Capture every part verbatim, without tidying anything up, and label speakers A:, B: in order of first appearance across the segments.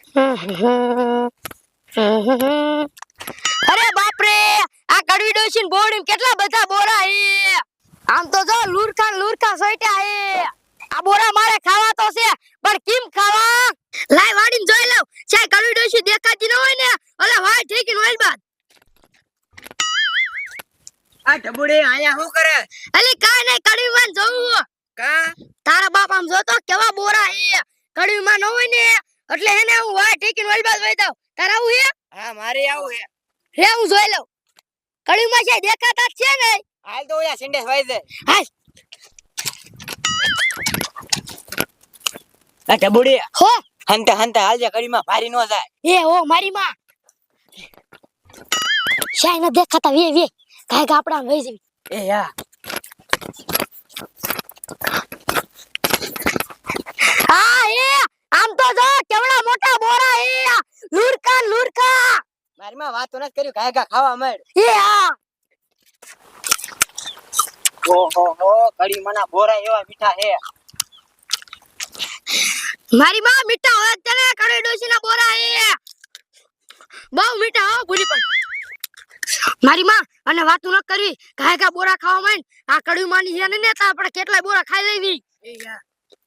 A: અરે બાપ રે, આ કડવી ડોશીન બોડીમ કેટલા બધા બોરા હે. આમ તો જો લુરખા લુરખા સોઈટા હે. આ બોરા મારે ખાવા તો છે, પણ કેમ ખાવા? લાય વાડીને જોઈ લઉં. ચાય કડવી ડોશી દેખાતી ન હોય ને, ઓલે વાય ઠેકીને ઓલ બાદ.
B: આ ઢબુડી આયા શું કરે?
A: અલી કાઈ નઈ, કડવી માં જોઉં.
B: કા
A: તારા બાપ આમ જોતો કેવા બોરા હે. કડવી માં ન હોય ને એટલે હેને હું વાય ઠેકીને ઓલ બાદ વઈ દઉં. તારા આવું હે?
B: હા મારી આવું હે.
A: રે હું જોઈ લઉં. કડવી માં છે દેખાતા જ છે ને.
B: હાલ તો ઓયા સિંડેસ વાઈ દે.
A: હાલ.
B: આ ઢબુડી
A: હો
B: હંતે હંતે હાલજે, કડીમાં ભારી નો જાય.
A: એ હો મારી માં શાય ન દેખાતા વે વે કાય કે આપડા વઈ જવી.
B: એ યા
A: હા એ આમ તો જો કેવડા મોટા બોરા હે. લુરકા લુરકા
B: મારી માં વાતો ન કર્યું, કાય કા ખાવા મળ.
A: એ હા
B: ઓહો હો, કડી મના બોરા એવા મીઠા હે.
A: મારી માં મીઠા હોય તને કડવી ડોસી ના બોરા હે. બહુ મીઠા હો ભૂલી પણ. મારી માં અને વાતો ન કરવી, કાય કા બોરા ખાવા માંડ. આ કડવી માની છે ને તા આપણે કેટલાય બોરા ખાઈ લેવી.
B: એ યા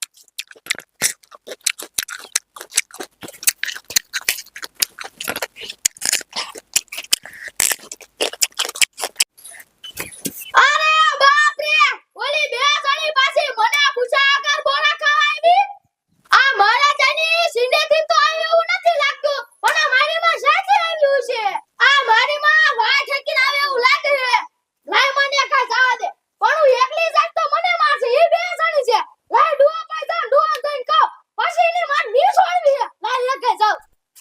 A: અરે બાપ રે, ઓલી બે જણી પાછી મને પૂછા કર બોરા ખાવા આવી. આ મારા જાની સિંડે થી તો આવ્યું એવું નથી લાગતું, પણ આ મારી માં સાચે આવ્યું છે. આ મારી માં વાય ઠેકીને આવે એવું લાગે છે. લાય મને કાઈ જવા દે, પણ હું એકલી જાત તો મને મારશે. ઈ બે જણી છે. લાય ડુઓ પાઈ જાવ, ડુઓ જઈને કહો, પછી એની માર ની છોડવી છે. લાય એકે જાવ.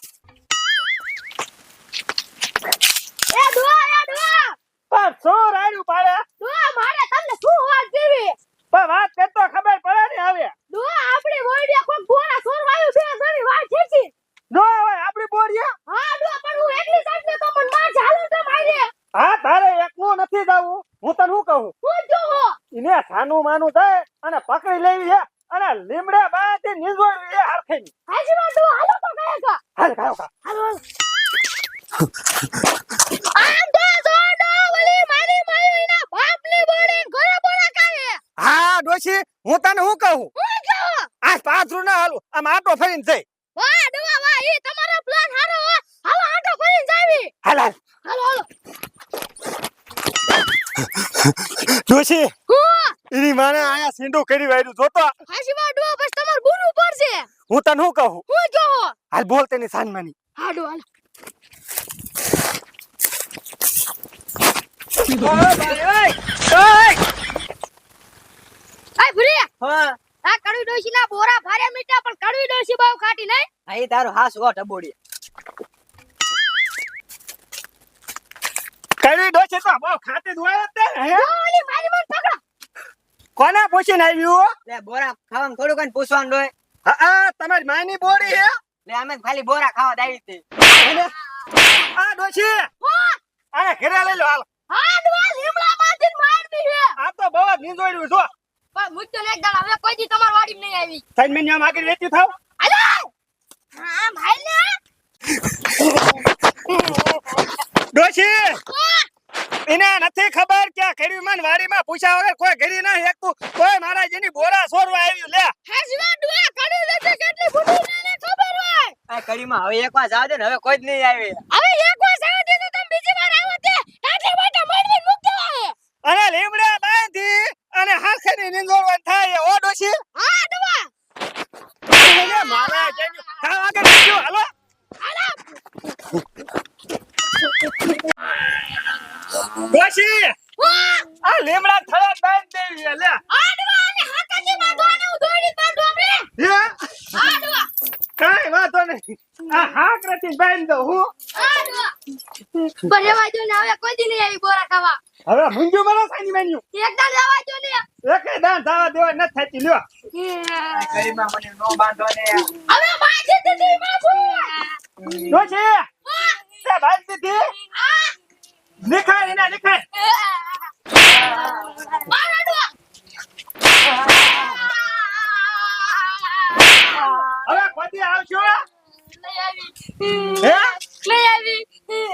A: એ ડુઓ એ ડુઓ
C: પણ શું રાડ્યું પાડે?
A: ડુઓ મારે તમને શું વાત દેવી.
C: પણ વાત કરતો ખબર પડે ને હવે.
A: ડુઓ આપણી બોડીએ કોઈ બોરા સોરવાયું બે જણી વાય ઠેકી.
C: જો હવે આપણી બોરીએ.
A: હા ડુઓ પણ હું એકલી જાત ને તો પણ માં ચાલુ તો મારે.
C: હા તારે એકલું નથી જાવું, હું તને શું કહું,
A: હું જો હો
C: એને સાનું માનું થાય અને પકડી લેવી છે અને લીમડે બાથી નીંદોડવી છે હરખેની.
A: હાજી માં ડુઓ હાલો તો કહે કા.
C: હાલ ખાયો ખા.
A: હાલો આમ તો જોડો વળી મારી માયો એના બાપની બોડી ઘરે બોરા કાહે.
C: હા ડોશી, હું તને શું કહું,
A: હું જો
C: આ પાથરું ના હાલું, આમ આટો ફરીને જઈ.
A: વાહ ડુઓ વાહ, ઈ તમારો પ્લાન હારો હો. હાલો આટો ફરીને જાવી.
C: હાલ હાલ
A: હાલો હાલો
C: ડોશી,
A: હું
C: એની માને આયા સિંડું કરી વાયરું જોતો.
A: હાજી માં ડુઓ બસ તમાર બુનું પડશે.
C: હું તને શું કહું,
A: હું જો હો
C: હાલ બોલ તેની સાનમાની.
A: હાડો હાલો.
C: ઓય ભાઈ ઓય ઓય.
A: આય ભૂરી,
B: હા
A: આ કડવી ડોશી ના બોરા ભારે મીઠા, પણ કડવી ડોશી બહુ ખાટી નહીં.
B: આ ઈ તારો હાસ હો ઢબુડી.
C: કરી ડોશી તો બહુ ખાતી જ હોય જ તે ને, હે?
A: ઓલી મારી મન પકડો.
C: કોને પૂછીને આવ્યું?
B: લે બોરા ખાવામાં થોડું કઈ પૂછવાનું હોય.
C: હા આ તમારી માની બોડી હે?
B: લે અમે તો ખાલી બોરા ખાવા દાવી હતી.
C: અને આ ડોશી આને ઘરે લઈ લો હાલ.
A: હા ડુઆ લીમડા માંથી મારવી છે.
C: આ તો બહુ જ નીંદોડ્યું છો.
A: પણ મુદ્દો ને એકદમ હવે કોઈ દી તમાર વાડી નહીં આવી.
C: સાઈન મેં આમ આગળ વેચી થાવ.
A: હાલો હા ભાઈ ને
C: ડોશી એને નથી ખબર કે આ ખેડૂતમાન વાડીમાં પૂછ્યા વગર કોઈ ઘરી ના હેકતું, કોઈ મારા જેની બોરા સોરવા આવ્યું. લે
A: હાજવા ડુઆ કડી લેજે, કેટલી બુડી ને ખબર હોય.
B: આ કડીમાં હવે એકવાર જાવ દે ને, હવે કોઈ જ નહીં આવે.
A: હવે એક વાર સાવ દીધું તમે બીજી વાર આવો તે આટલે માટે મારવી મુક દેવાય.
C: અને લીમડા બાંધી અને હાથેની નીંદોડવાનું થાય. ઓ ડોશી
A: હા ડુઆ
C: એને મારા જેની થાવ આગળ વેચ્યું. હાલો
A: હાલો
C: ડોશી
A: વાહ
C: આ લીમડા થળા બાંધી દેવી છે. લે
A: આ ડુઆ ને હાથાજી બાંધવાને હું દોડી બાંધો આપણે.
C: હે
A: હા ડુઆ
C: કાઈ વાતો નહીં, આ હાક રતી બાંધી દઉં હું.
A: હા ડુઆ પર રેવા દો ને, હવે કોઈ દી નહીં આવી બોરા ખાવા.
C: હવે મુંજુ મારો સાની મેન્યુ
A: એકદમ રેવા દો ને.
C: એકે દાન થવા દેવા નથી થતી. લ્યો
B: આ કડીમાં મને નો બાંધો ને.
A: હવે માજી દીદી માફુ.
C: ડોશી તે બાંધી દીધી.
A: આ
C: નિખાય એના નિખાય.
A: મારા ડુઆ
C: હવે કોઈ દી આવશો
A: નહીં આવી.
C: હે
A: લઈ આવી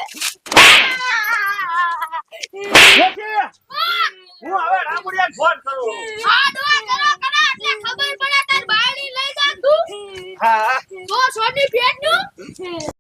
C: ડોશી હું હવે રામુડિયાને ફોન કરું
A: આ ડોહા કરો કરો એટલે ખબર પડે તાર બાયડી લઈ જા તું
C: હા
A: તો સોની પેટ નું